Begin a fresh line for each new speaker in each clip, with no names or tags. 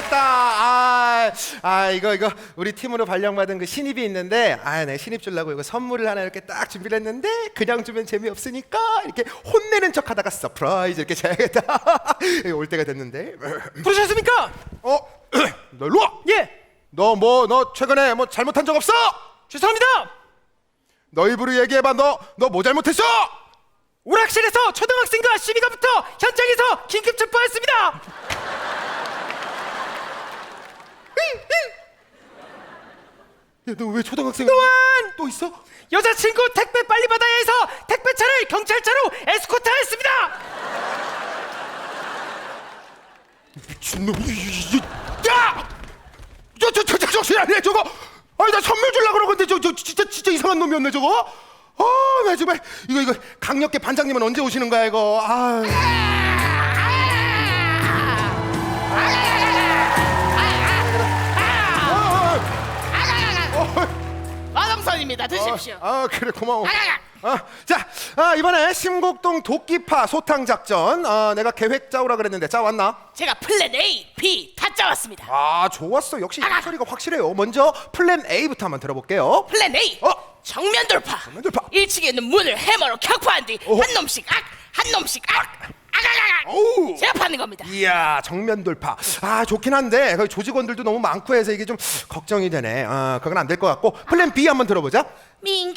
이거 우리 팀으로 발령받은 그 신입이 있는데 내 신입 주려고 이거 선물을 하나 이렇게 딱 준비를 했는데 그냥 주면 재미없으니까 이렇게 혼내는 척 하다가 서프라이즈 이렇게 줘야겠다. 올 때가 됐는데.
부르셨습니까?
너 일로 와.
예.
너 최근에 뭐 잘못한 적 없어?
죄송합니다.
너 입으로 얘기해봐. 너 뭐 잘못했어?
오락실에서 초등학생과 시비가 붙어 현장에서 긴급 체포했습니다.
야, 너 왜 초등학생?
또한
또 있어?
여자친구 택배 빨리 받아야 해서 택배차를 경찰차로 에스코트했습니다.
미친놈. 야! 저 정신 아니야 저거. 나 선물 주려고 그러는데 저 진짜 이상한 놈이었네 저거. 나 정말 이거 강력계 반장님은 언제 오시는 거야 이거.
마동선입니다. 드십시오.
그래 고마워. 자, 이번에 심곡동 도끼파 소탕 작전 내가 계획 짜오라 그랬는데 짜왔나?
제가 플랜 A, B 다 짜왔습니다.
좋았어. 역시 소리가 확실해요. 먼저 플랜 A부터 한번 들어볼게요.
플랜 A. 정면 돌파.
정면 돌파.
1층에 있는 문을 해머로 격파한 뒤 한 놈씩 한 놈씩
오우.
제압하는 겁니다.
이야, 정면 돌파. 좋긴 한데 거기 조직원들도 너무 많고 해서 이게 좀 걱정이 되네. 그건 안 될 것 같고 플랜 B 한번 들어보자.
민규?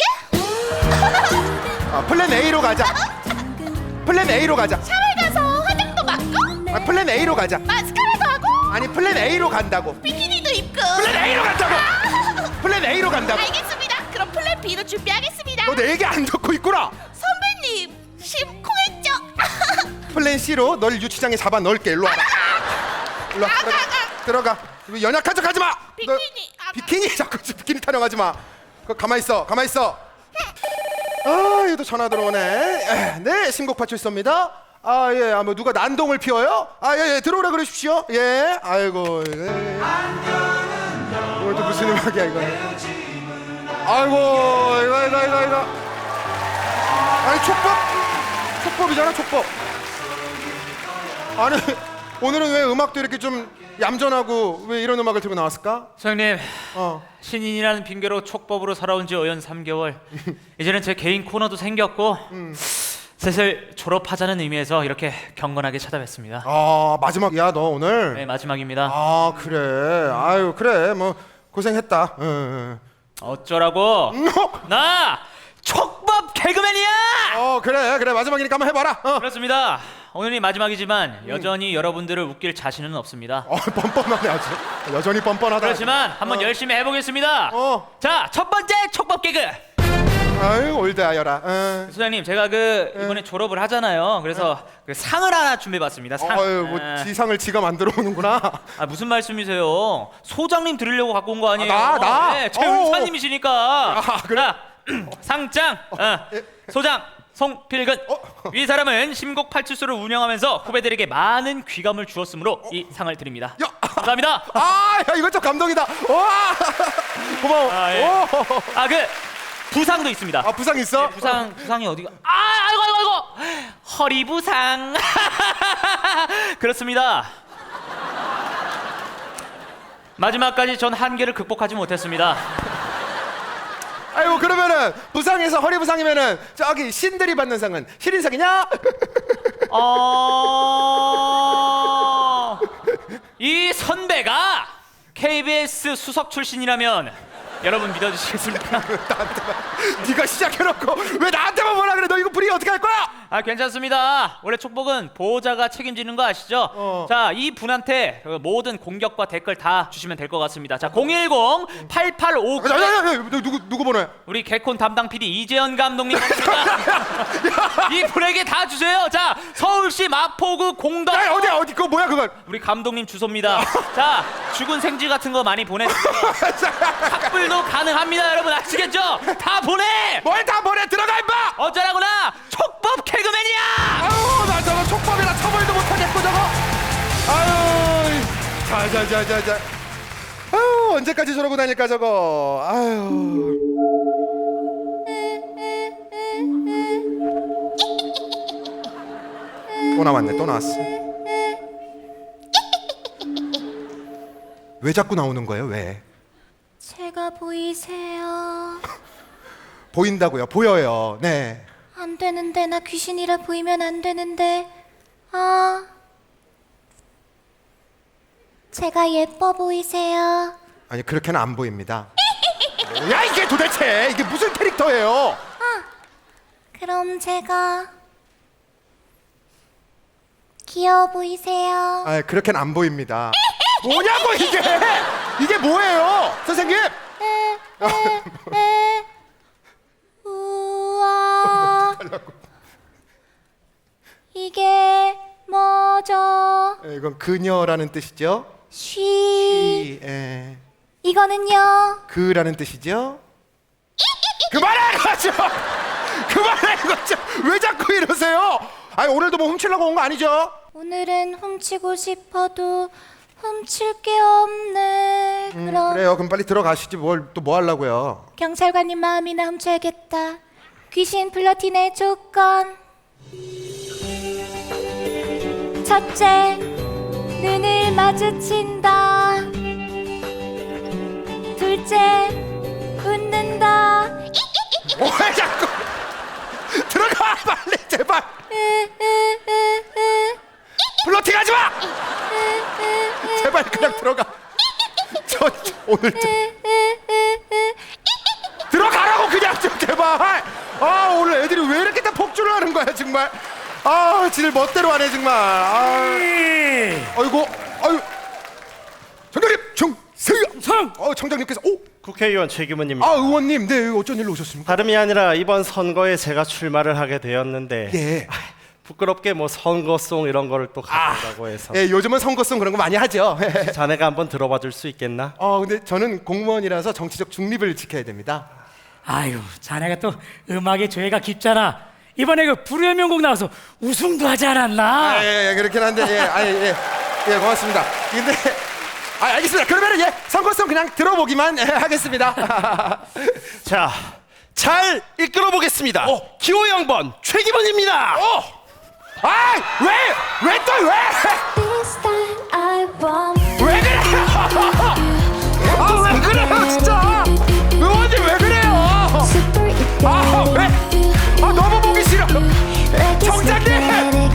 플랜 A로 가자. 플랜 A로 가자.
샤워 가서 화장도 맞고
플랜 A로 가자.
마스카라도 하고
아니 플랜 A로 간다고.
비키니도 입고
플랜 A로 간다고. 플랜 A로 간다고.
알겠습니다. 그럼 플랜 B로 준비하겠습니다.
너 내 얘기 안 듣고 있구나.
선배님 심쿵했죠?
플랜 C로 널 유치장에 잡아 넣을게. 일로 와라. 일로 와. 들어가. 이거 연약한 척하지 마. 너
비키니.
비키니 자꾸 비키니 타령하지 마. 가만 있어. 이거 전화 들어오네. 네, 신곡파 출소입니다. 예, 뭐 누가 난동을 피워요? 예, 들어오라 그러십시오. 예, 아이고. 이거 또 무슨 음악이야 이거? 아이고, 이거. 아니 촉법이잖아, 촉법. 아니 오늘은 왜 음악도 이렇게 좀 얌전하고 왜 이런 음악을 들고 나왔을까?
소장님, 신인이라는 핑계로 촉법으로 살아온 지 어연 3개월. 이제는 제 개인 코너도 생겼고 슬슬 졸업하자는 의미에서 이렇게 경건하게 찾아뵙습니다.
마지막이야 너 오늘?
네, 마지막입니다.
그래. 아유 그래 뭐 고생했다.
어쩌라고? 나 촉법 개그맨이야!
그래 마지막이니까 한번 해봐라.
그렇습니다. 오늘이 마지막이지만 여전히 여러분들을 웃길 자신은 없습니다.
뻔뻔하네 아주. 여전히 뻔뻔하다.
그렇지만 한번 열심히 해보겠습니다. 자, 첫 번째 촉법 개그.
아유 올드하여라.
소장님, 제가 이번에 졸업을 하잖아요. 그래서 그 상을 하나 준비해봤습니다. 상.
뭐 지상을 지가 만들어 오는구나.
무슨 말씀이세요? 소장님 드리려고 갖고 온 거 아니에요?
나?
네, 최은사님이시니까.
그래?
자, 상장. 소장 송필근. 이 사람은 심곡 팔출소를 운영하면서 후배들에게 많은 귀감을 주었으므로 이 상을 드립니다. 감사합니다.
야 이거 좀 감동이다. 와 고마워.
예. 부상도 있습니다.
부상 있어?
네, 부상이 어디가? 아이고. 허리 부상. 그렇습니다. 마지막까지 전 한계를 극복하지 못했습니다.
아이고 그러면은 부상에서 허리 부상이면은 저기 신들이 받는 상은 신인상이냐?
이 선배가 KBS 수석 출신이라면 여러분 믿어주시겠습니까?
네가 시작해놓고 왜 나한테만 뭐라 그래? 너 이거 불이 어떻게 할 거야?
괜찮습니다. 원래 촉복은 보호자가 책임지는 거 아시죠? 자, 이 분한테 모든 공격과 댓글 다 주시면 될 것 같습니다. 자, 010-8859
누구 번호야?
우리 개콘 담당 PD 이재현 감독님 이 분에게 다 주세요. 자, 서울시 마포구 공덕.
어디 그거 뭐야 그건?
우리 감독님 주소입니다. 자, 죽은 생쥐 같은 거 많이 보내주세요. 삭불도 가능합니다, 여러분 아시겠죠? 다 보내.
뭘 다 보내? 들어가 임마!
어쩌라구나 촉법 개그맨이야.
나 저거 촉법이라 처벌도 못하겠고 저거. 자. 언제까지 저러고 다닐까 저거. 또 나왔어. 왜 자꾸 나오는 거예요? 왜?
제가 보이세요?
보인다고요? 보여요. 네.
안 되는데, 나 귀신이라 보이면 안 되는데. 아, 제가 예뻐 보이세요?
아니 그렇게는 안 보입니다. 뭐야 이게 도대체 이게 무슨 캐릭터예요?
그럼 제가 귀여워 보이세요?
아 그렇게는 안 보입니다. 뭐냐고 이게? 이게 뭐예요, 선생님?
우와, 이게 뭐죠?
이건 그녀라는 뜻이죠.
쉬.
예.
이거는요?
그라는 뜻이죠. 그만해 이거죠. 그만해 이거죠. 왜 자꾸 이러세요? 아니 오늘도 뭐 훔치려고 온 거 아니죠?
오늘은 훔치고 싶어도 훔칠 게 없네. 그럼
그래요. 그럼 빨리 들어가시지 뭘 또 뭐 하려고요?
경찰관님 마음이나 훔쳐야겠다. 귀신 플러팅의 조건. 첫째, 눈을 마주친다. 둘째, 웃는다.
왜 자꾸 들어가 빨리 제발. 플러팅하지 마. 제발 그냥 들어가. 저 오늘 좀 들어가라고 그냥 좀 제발. 아 오늘 애들이 왜 이렇게 다 폭주를 하는 거야 정말. 아 지들 멋대로 하네 정말. 아이고 아유 정장님 정세영 청장님께서
국회의원 최규모입니다.
아 의원님 네 어쩐 일로 오셨습니까?
다름이 아니라 이번 선거에 제가 출마를 하게 되었는데
예.
부끄럽게 뭐 선거송 이런 거를 또 가져다고 해서
예 요즘은 선거송 그런 거 많이 하죠.
자네가 한번 들어봐 줄 수 있겠나?
근데 저는 공무원이라서 정치적 중립을 지켜야 됩니다.
아유, 자네가 또 음악에 죄가 깊잖아. 이번에 그 불후의 명곡 나와서 우승도 하지 않았나?
예, 그렇긴 한데 예, 고맙습니다. 근데 알겠습니다. 그러면은 선거송 그냥 들어보기만 하겠습니다.
자, 잘 이끌어 보겠습니다. 기호 양번 최기범입니다.
왜 또 왜? 왜 그래요? 왜 그래요 진짜? 의원님 왜 그래요? 왜? 너무 보기 싫어. 청장님!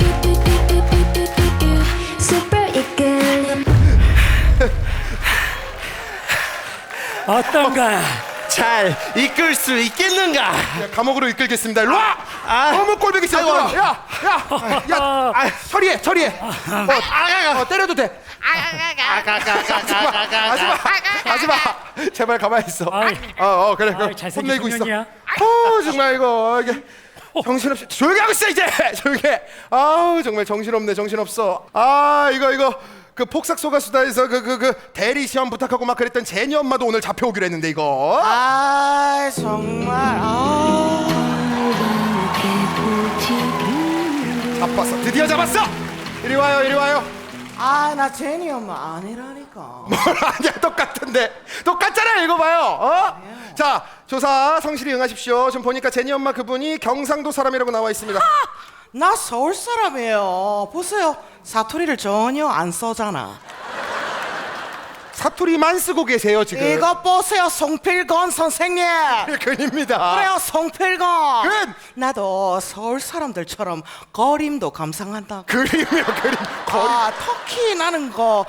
어떤가?
잘 이끌 수 있겠는가?
감옥으로 이끌겠습니다. 일로 와! 너무 꼴보기 싫어.
아이고.
야, 처리해. 때려도 돼. 하지마. 제발 가만히 있어. 그래.
잘생긴
혼내고 있어.
청년이야.
정말 이거 이게 정신없이 조용히 하고 있어 이제. 조용히 해. 정말 정신없어. 이거 그 폭삭소가수다에서 그 대리 시험 부탁하고 막 그랬던 제니 엄마도 오늘 잡혀오기로 했는데 이거.
정말
잡았어. 드디어 잡았어. 이리 와요.
나 제니 엄마 아니라니까.
뭘 아니야 똑같잖아. 이거 봐요. 자 조사 성실히 응하십시오. 지금 보니까 제니 엄마 그분이 경상도 사람이라고 나와 있습니다.
나 서울 사람이에요. 보세요, 사투리를 전혀 안 써잖아.
사투리만 쓰고 계세요 지금.
이거 보세요, 송필건 선생님.
근입니다.
그래요, 송필건.
근!
나도 서울 사람들처럼 거림도 감상한다.
그림이요 그림.
터키 나는 거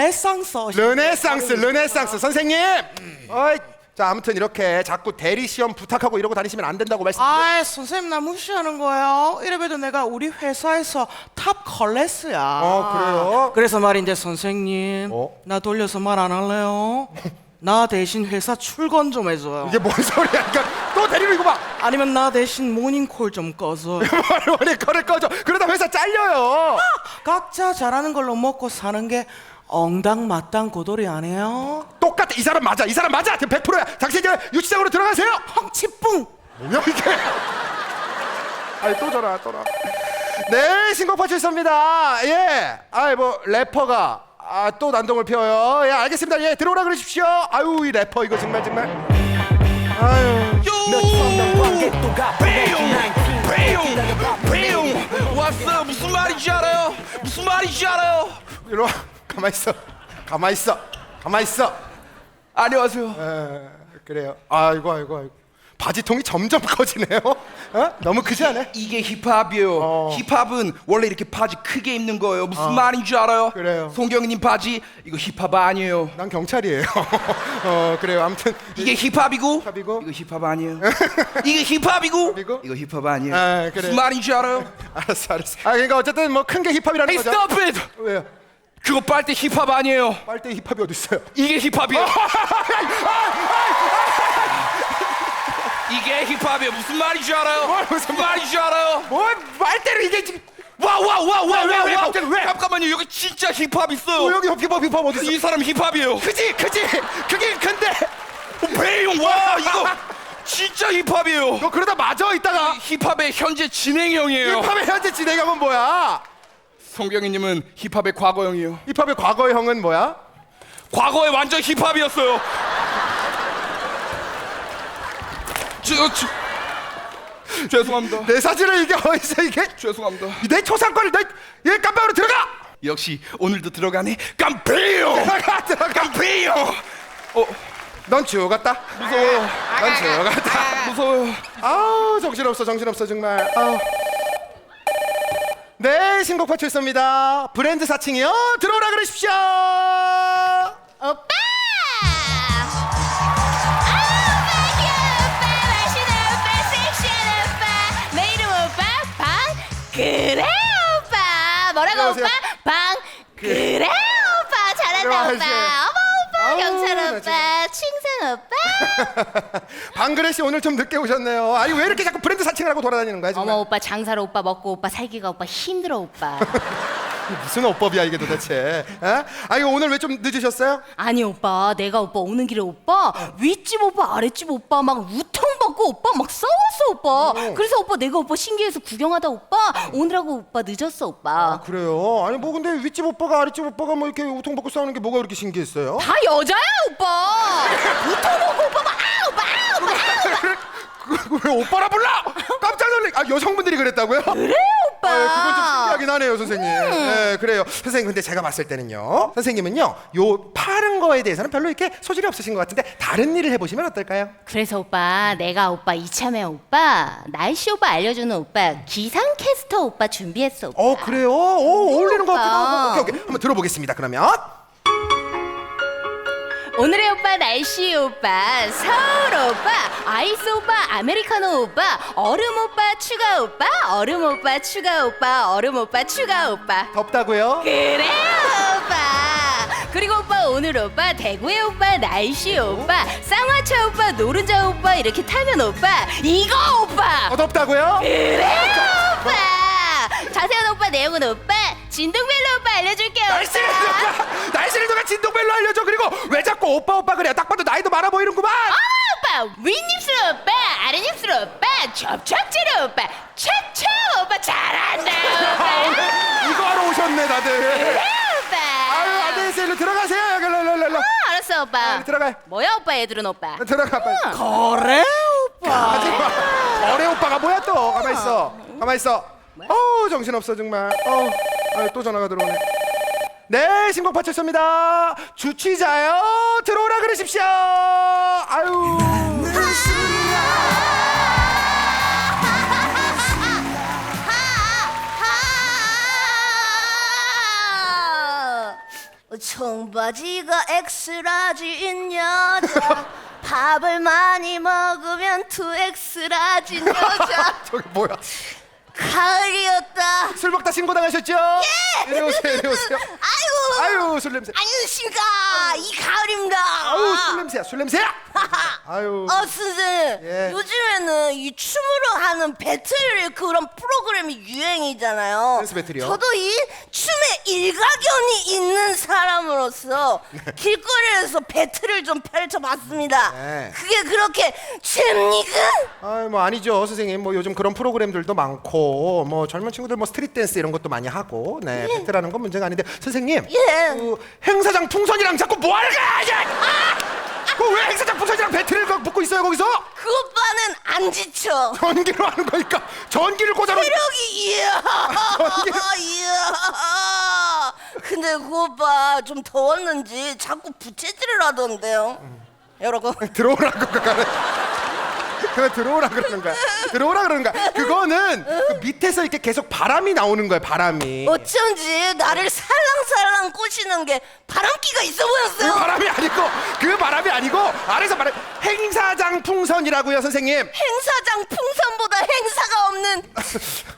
르네상스 선생님. 자 아무튼 이렇게 자꾸 대리 시험 부탁하고 이러고 다니시면 안 된다고 말씀드려요.
선생님 나 무시하는 거예요. 이래봬도 내가 우리 회사에서 탑 클래스야.
그래요?
그래서 말인데 선생님, 나 돌려서 말 안 할래요? 나 대신 회사 출근 좀 해줘요.
이게 뭔 소리야? 그러니까 또 데리고 이거 봐.
아니면 나 대신 모닝콜 좀 꺼줘.
원래 거를 꺼져. 그러다 회사 잘려요.
각자 잘하는 걸로 먹고 사는 게 엉당마땅 고돌이 아니에요?
똑같아. 이 사람 맞아. 100%야. 당신 이제 유치장으로 들어가세요.
펑치뿡.
뭐냐 이게? 또 전화. 네, 신곡파 출소입니다. 예. 뭐 래퍼가 또 난동을 피워요. 예, 알겠습니다. 예, 들어오라 그러십시오. 이 래퍼 이거 정말.
왔어. 무슨 말인지 알아요?
이리 와. 가만 있어. 가만 있어.
안녕하세요.
그래요. 아이고. 바지통이 점점 커지네요. 너무 크지 않아?
이게 힙합이에요. 힙합은 원래 이렇게 바지 크게 입는 거예요. 무슨 말인지 알아요?
그래요.
송경이님 바지 이거 힙합 아니에요.
난 경찰이에요. 그래요. 아무튼
이게 힙합이고,
힙합이고.
이거 힙합 아니에요. 이게 힙합이고
힙합이고.
이거 힙합 아니에요.
그래.
무슨 말인지 알아요?
알았어. 그러니까 어쨌든 뭐 큰 게 힙합이라는
Hey,
거죠.
stop it!
왜요?
그거 빨대 힙합 아니에요.
빨대 힙합이 어디 있어요?
이게 힙합이에요. 이게 힙합이에요. 무슨 말인지 알아요? 무슨 말인지 알아요?
뭐 빨대를 이게 지금 왜 갑자기 왜?
잠깐만요. 여기 진짜 힙합 있어요.
여기 힙합 어디 있어?
이 사람 힙합이에요.
크지. 그게 큰데.
배용 와 이거 진짜 힙합이에요.
너 그러다 맞아 이따가.
힙합의 현재 진행형이에요.
힙합의 현재 진행형은 뭐야?
송경이님은 힙합의 과거형이에요.
힙합의 과거형은 뭐야?
과거에 완전 힙합이었어요. 죄송합니다.
내 사진을 이게 어디서 이게?
죄송합니다.
내 초상권을 얘 깜빡으로 들어가.
역시 오늘도 들어가네. 깜페요.
들어가.
깜페요.
넌 죽었다.
무서워요.
넌 죽었다.
무서워요.
아우 정신없어 정말. 네, 신곡 파출소입니다. 브랜드 사칭이요. 들어오라 그러십시오.
오빠! 맛있는 오빠, 섹시한 오빠, 내 이름 오빠, 그래 오빠. 뭐라고
안녕하세요.
오빠? 그래 오빠. 잘한다 오빠.
안녕하세요.
어머 오빠,
아우,
경찰
나
오빠, 칭찬 오빠.
방그레 씨 오늘 좀 늦게 오셨네요. 아니 왜 이렇게 자꾸 브랜드 사칭을 하고 돌아다니는 거야 정말?
어머 오빠, 장사로 오빠, 먹고 오빠, 살기가 오빠, 힘들어 오빠.
무슨 어법이야 이게 도대체? 에? 아니 오늘 왜 좀 늦으셨어요?
아니 오빠, 내가 오빠 오는 길에 오빠 윗집 오빠 아랫집 오빠 막 우통받고 오빠 막 싸웠어 오빠. 그래서 오빠 내가 오빠 신기해서 구경하다 오빠 오느라고 오빠 늦었어 오빠.
그래요? 아니 뭐 근데 윗집 오빠가 아랫집 오빠가 뭐 이렇게 우통받고 싸우는 게 뭐가 그렇게 신기했어요?
다 여자야 오빠. 우통받고 오빠 막 오빠
왜 오빠라 불러? 깜짝 놀래. 아 여성분들이 그랬다고요?
그래 오빠.
그건 좀 신기하긴 하네요 선생님. 네 그래요 선생님. 근데 제가 봤을 때는요 선생님은요 요 파는 거에 대해서는 별로 이렇게 소질이 없으신 것 같은데 다른 일을 해보시면 어떨까요?
그래서 오빠 내가 오빠 이참에 오빠 날씨 오빠 알려주는 오빠 기상캐스터 오빠 준비했어 오빠.
그래요? 어울리는 것 같기도
오빠.
하고. 오케이 한번 들어보겠습니다 그러면.
오늘의 오빠 날씨 오빠, 서울 오빠, 아이스 오빠, 아메리카노 오빠, 얼음 오빠, 추가 오빠, 얼음 오빠, 추가 오빠, 얼음 오빠, 추가 오빠.
덥다고요?
그래요 오빠. 그리고 오빠 오늘 오빠 대구의 오빠 날씨 오빠, 쌍화차 오빠, 노른자 오빠 이렇게 타면 오빠 이거 오빠.
덥다고요?
그래요 오빠. 자세한 오빠 내용은 오빠 진동벨로 오빠 알려줄게요.
날씨를 누가 진동벨로 알려줘. 그리고 왜 자꾸 오빠 그래요? 딱 봐도 나이도 많아 보이는구만.
오빠 윗입술 오빠 아랫입술 오빠 접착제로 오빠 차차 오빠 잘한다 오빠.
이거 하러 오셨네 다들.
그래 오빠.
아유 안녕하세요. 일로 들어가세요. 여기 일로.
알았어 오빠.
들어가요.
뭐야 오빠 애들은 오빠.
들어가 빨리.
그래 오빠.
하지마. 어레 오빠가 뭐야 또? 가만 있어. 정신없어 정말. 또 전화가 들어오네. 네 신곡 파출소입니다. 주취자요 들어오라 그러십시오. 아유.
청바지가 엑스라지인 여자 밥을 많이 먹으면 2X라진 여자
저기 뭐야?
가을이었다.
술 먹다 신고 당하셨죠? 예. 이리 오세요. 아유 술 냄새.
안녕하십니까. 이 가을입니다.
아유 술 냄새야. 아유.
선생님
예.
요즘에는 이 춤으로 하는 배틀 그런 프로그램이 유행이잖아요.
댄스 배틀이요?
저도 이 춤에 일가견이 있는 사람으로서 길거리에서 배틀을 좀 펼쳐봤습니다.
네.
그게 그렇게 됩니까?
뭐 아니죠 선생님. 뭐 요즘 그런 프로그램들도 많고 뭐 젊은 친구들 뭐 스트릿 댄스 이런 것도 많이 하고 네 배틀하는 건 문제가 아닌데 선생님.
예.
그 행사장 풍선이랑 자꾸 뭐 하는 거야? 왜 행사장 풍선이랑 배틀을 붙고 있어요 거기서?
그 오빠는 안 지쳐.
전기로 하는 거니까 전기를 꽂아놓은.
체력이 이야.
전기를.
이야.
근데 그 오빠 좀 더웠는지 자꾸 부채질을 하던데요. 여러분.
들어오라고 그거는. 그거 들어오라 그러는 거야. 들어오라 그러는 거야. 그거는 그 밑에서 이렇게 계속 바람이 나오는 거야. 바람이.
어쩐지 나를 살랑살랑 꼬시는 게 바람기가 있어 보였어요.
그 바람이 아니고 아래서 말해 행사장 풍선이라고요, 선생님.
행사장 풍선보다 행사가 없는